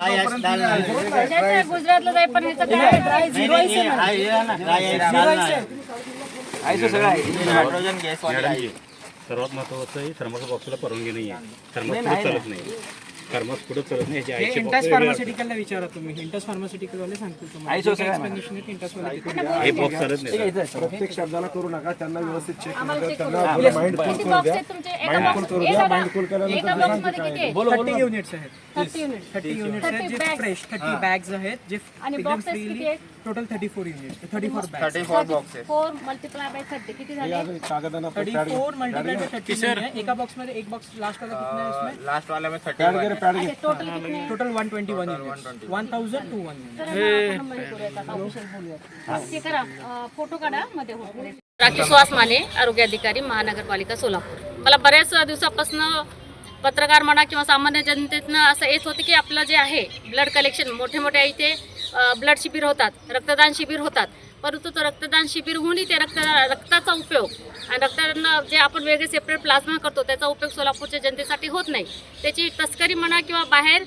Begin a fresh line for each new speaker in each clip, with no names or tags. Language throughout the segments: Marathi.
गुजरातला जाय पण ह्याचं काय ड्राय झिरो
हायड्रोजन गॅस
सर्वात महत्वाचं आहे थर्मस बॉक्सला परवानगी नाही आहे. थर्मस पुढे चालत नाही. थर्मस पुढे चालत नाही. याची आयची
इंटस फार्मास्युटिकलला विचारा तुम्ही. इंटस फार्मास्युटिकल वाले सांगतील तुम्हाला. इंटस वाले
हे बॉक्स चालत नाही.
प्रत्येक शब्दाला करू नका, त्यांना व्यवस्थित चेक
आम्हाला
करू
check
द्या,
करू
त्यांना
द्या.
माइंड फुल
किती
करू
box
द्या.
आहेत तुमचे?
माइंड फुल करू द्या. माइंड फुल
एका
केल्यानंतर
box मध्ये किती आहे?
30 युनिट्स आहेत.
30 युनिट
30 युनिट्स आहेत
30
जे
bags.
फ्रेश 30 बॅग्स आहेत जे
आणि
एकदम
boxes किती
फ्रीली
आहेत?
Total 34 units 34 bags
34 boxes
4 multiply by 30 किती झाले?
कागदांना
34 मल्टीप्लाई बाय 30 नहीं है. एका बॉक्स में एक बॉक्स लास्ट वाला कितना है उसमें?
लास्ट वाले में
पॅड
31
घे, पॅड घे.
अच्छा, टोटल कितने हैं?
टोटल 121 यूनिट्स 1000 टू 1
तर आपण मध्ये करूयात आता, ऑफिशियल बोलूयात. ते करा, फोटो काढा मध्ये होतो. राखी सुहास माने, आरोग्य अधिकारी, महानगरपालिका सोलापूर. मला बऱ्याच दिवसापासून पत्रकार म्हणा किंवा सामान्य जनतेतनं असं येत होतं की आपलं जे आहे ब्लड कलेक्शन मोठे मोठे इथे ब्लड शिबिर होतात, रक्तदान शिबिर होतात, परंतु तो रक्तदान शिबिर होऊनही ते रक्ताचा उपयोग आणि रक्तदान जे आपण वेगळे सेपरेट प्लाझ्मा करतो त्याचा उपयोग सोलापूरच्या जनतेसाठी होत नाही. त्याची तस्करी म्हणा किंवा बाहेर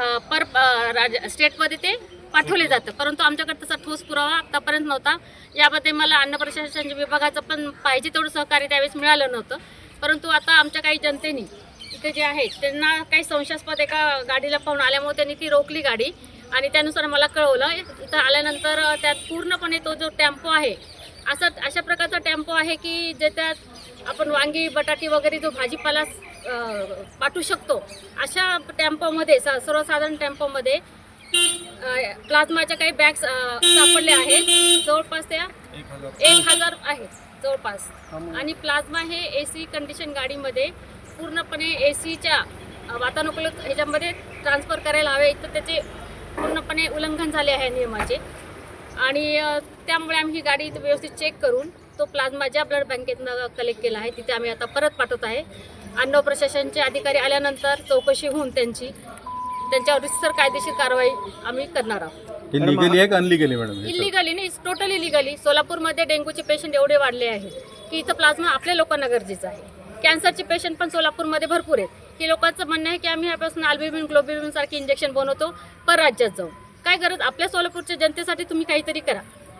स्टेटमध्ये ते पाठवले जातं, परंतु आमच्याकडे तसा ठोस पुरावा आतापर्यंत नव्हता. यामध्ये मला अन्न प्रशासन विभागाचं पण पाहिजे तेवढं सहकार्य त्यावेळेस मिळालं नव्हतं. परंतु आता आमच्या काही जनतेने इथे जे आहे त्यांना काही संशयास्पद एका गाडीला पाहून आल्यामुळे त्यांनी ती रोखली गाडी आणि त्यानुसार मला कळवलं. इथं आल्यानंतर त्यात पूर्णपणे तो जो टेम्पो आहे अशा प्रकारचा टेम्पो आहे की ज्याच्यात आपण वांगी बटाटी वगैरे जो भाजीपाला पाठवू शकतो अशा टेम्पोमध्ये सर्वसाधारण टेम्पोमध्ये प्लाझ्माच्या काही बॅग्स सापडल्या आहेत. जवळपास त्या 1000 आहेत जवळपास. आणि प्लाझ्मा हे AC कंडिशन गाडीमध्ये पूर्णपणे ACच्या वातानुकूलित ह्याच्यामध्ये ट्रान्सफर करायला हवे. इथं त्याचे पूर्णपणे उल्लंघन झाले आहे नियमाचे आणि त्यामुळे आम्ही ही गाडी व्यवस्थित चेक करून तो प्लाझ्मा ज्या ब्लड बँकेतनं कलेक्ट केला आहे तिथे आम्ही आता परत पाठवत आहे. अन्न प्रशासनचे अधिकारी आल्यानंतर चौकशी होऊन त्यांच्यावर रितसर कायदेशीर कारवाई आम्ही करणार आहोत.
इलिगली आहे का अनलिगली मॅडम?
इलिगली नाही, टोटली इलिगली. सोलापूरमध्ये डेंग्यूचे पेशंट एवढे वाढले आहेत की इथं प्लाझ्मा आपल्या लोकांना गरजेचं आहे. कॅन्सरचे पेशंट पण सोलापूरमध्ये भरपूर आहेत. की लोकांचं म्हणणं आहे की आम्ही ह्यापासून अल्ब्युमिन ग्लोब्युलिन सारखे इंजेक्शन बनवतो परराज्यात जाऊन. काय गरज, आपल्या सोलापूरच्या जनतेसाठी तुम्ही काहीतरी करा.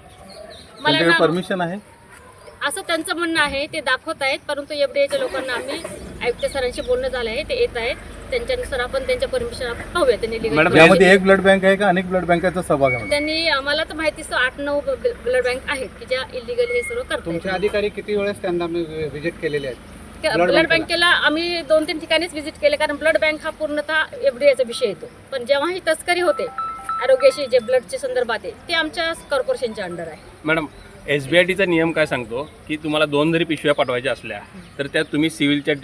मला
परमिशन आहे
असं त्यांचं म्हणणं आहे, ते दाखवत आहेत. परंतु FDAच्या लोकांना आम्ही आयुक्त सरांशी बोलणं झालं आहे, ते येत आहेत. त्यांच्यानुसार आपण त्यांच्या परमिशन आपण पाहूया. त्यांनी
यामध्ये एक ब्लड बँक आहे का अनेक ब्लड बँकांचा सहभाग आहे?
त्यांनी आम्हाला तर माहिती 8-9 ब्लड बँक आहेत की ज्या इलिगल हे सर्व करतात.
तुमचे अधिकारी किती वेळेस त्यांना व्हिजिट केलेले आहेत?
ब्लड बँकेला आम्ही 2-3 ठिकाणीच व्हिजिट केले, कारण ब्लड बँक हा पूर्णतः FDAचा विषय येतो. पण जेव्हा ही तस्करी होते आरोग्याशी जे ब्लडच्या संदर्भात आहे ते आमच्या कॉर्पोरेशनच्या अंडर आहे.
मॅडम, SBITचा नियम काय सांगतो की तुम्हाला 2 जरी पिशव्या पाठवायच्या असल्या तर त्यात तुम्ही सिव्हिलच्या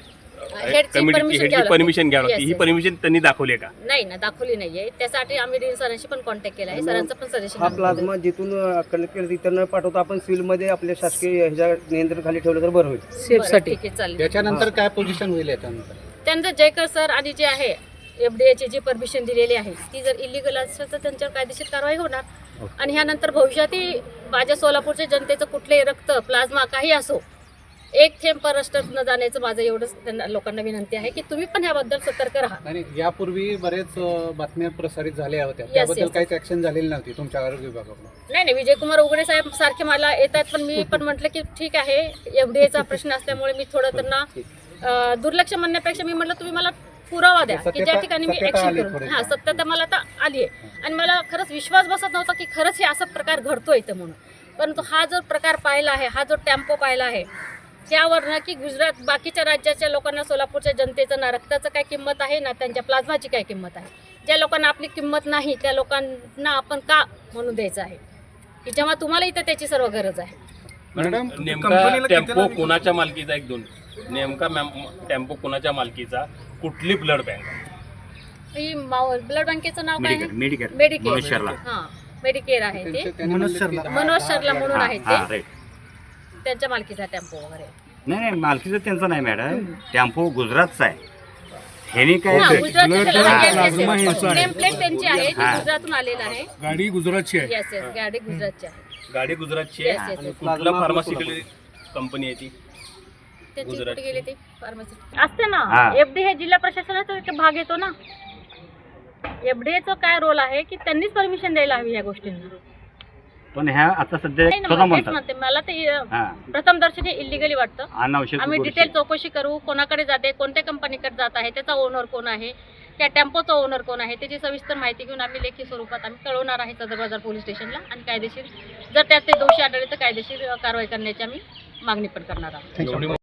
कमिटीची परमिशन घ्यावी लागते. ही परमिशन त्यांनी दाखवली का?
नाही ना, दाखवली नाहीये. त्यासाठी आम्ही डीन सरांशी पण कॉन्टॅक्ट केला आहे. सरांचं पण सजेशन
हा प्लाझ्मा जिथून कलेक्ट केलं तिथं न पाठवता आपण सिव्हिलमध्ये आपल्या शासकीय ह्याच्या नियंत्रणाखाली ठेवलं तर बरं होईल.
सेफसाठी चालेल.
त्याच्यानंतर काय पोझिशन होईल याच्यानंतर?
त्यानंतर जयकर सर आणि जे आहे FDAची जी परमिशन दिलेली आहे ती जर इलिगल असेल तर त्यांच्यावर कायदेशीर कारवाई होणार. आणि ह्यानंतर भविष्यातही माझ्या सोलापूरच्या जनतेचं कुठलेही रक्त प्लाझ्मा काही असो एक थेंब परराष्ट्रात न जाण्याचं माझं एवढंच त्यांना लोकांना विनंती आहे की तुम्ही पण ह्याबद्दल सतर्क राहा.
आणि यापूर्वी बरेच बातम्या प्रसारित झाल्या होत्या, त्याबद्दल काहीच ऍक्शन झालेली नव्हती तुमच्या आरोग्य विभागाकडून?
नाही, विजयकुमार उघडे साहेब सारखे मला येतात, पण मी पण म्हटलं की ठीक आहे, FDAचा प्रश्न असल्यामुळे मी थोडं त्यांना दुर्लक्ष म्हणण्यापेक्षा मी म्हटलं तुम्ही मला पुरावा द्या की ज्या ठिकाणी मी ऍक्शन करू. हा, सत्यता मला आता आली आहे आणि मला खरंच विश्वास बसत नव्हता की खरंच हे असा प्रकार घडतो इथं म्हणून. परंतु हा जो प्रकार पाहिला आहे, हा जो टेम्पो पाहिला आहे त्यावर ना की गुजरात बाकीच्या राज्याच्या लोकांना सोलापूरच्या जनतेचं ना रक्ताचं काय किंमत आहे ना त्यांच्या प्लाझ्माची काय किंमत आहे. ज्या लोकांना आपली किंमत नाही त्या लोकांना आपण का म्हणून द्यायचं आहे की जेव्हा तुम्हाला इथं त्याची सर्व गरज आहे.
मॅडम, नेमका टेम्पो कोणाच्या मालकीचा? एक दोन नेमका टेम्पो कोणाच्या मालकीचा? कुठली ब्लड बँक?
ही ब्लड बँकेचं नाव काय आहे?
मेडिकेअर.
हां, मेडिकेअर आहे ते. मनोज शर्ला म्हणून आहे ते. त्यांच्या मालकीचा टेम्पो वगैरे
नाही, मालकीचं त्यांचं नाही मॅडम, टेम्पो गुजरातचा आहे. ह्याने काय
नेम प्लेट त्यांची आहे, ती गुजरातून आलेलं आहे.
गाडी गुजरातची आहे.
येस, गाडी गुजरातची आहे.
गाडी गुजरातची आहे. कुठला फार्मास्युटिकल कंपनी आहे ती?
त्याची कुठे गेली ती फार्मसी असते ना. FD हे जिल्हा प्रशासनाचा एक भाग येतो ना. एफडीएचं काय रोल आहे की त्यांनीच परमिशन द्यायला हवी या गोष्टींना.
पण ह्या आता सध्या
नाही ना,
स्वतः
मग तेच
म्हणतात
म्हणते मला ते
हा
प्रथम दर्शनी इलिगली वाटतं.
अनावश्यक
आम्ही
गोष्टी.
डिटेल चौकशी करू, कोणाकडे जाते, कोणत्या कंपनीकडे जात आहे, त्याचा ओनर कोण आहे, त्या टेम्पोचा ओनर कोण आहे, त्याची सविस्तर माहिती घेऊन आम्ही लेखी स्वरूपात आम्ही कळवणार आहे सदर बाजार पोलीस स्टेशनला. आणि कायदेशीर जर त्यात ते दोषी आढळले तर कायदेशीर कारवाई करण्याची आम्ही मागणी पण करणार आहोत.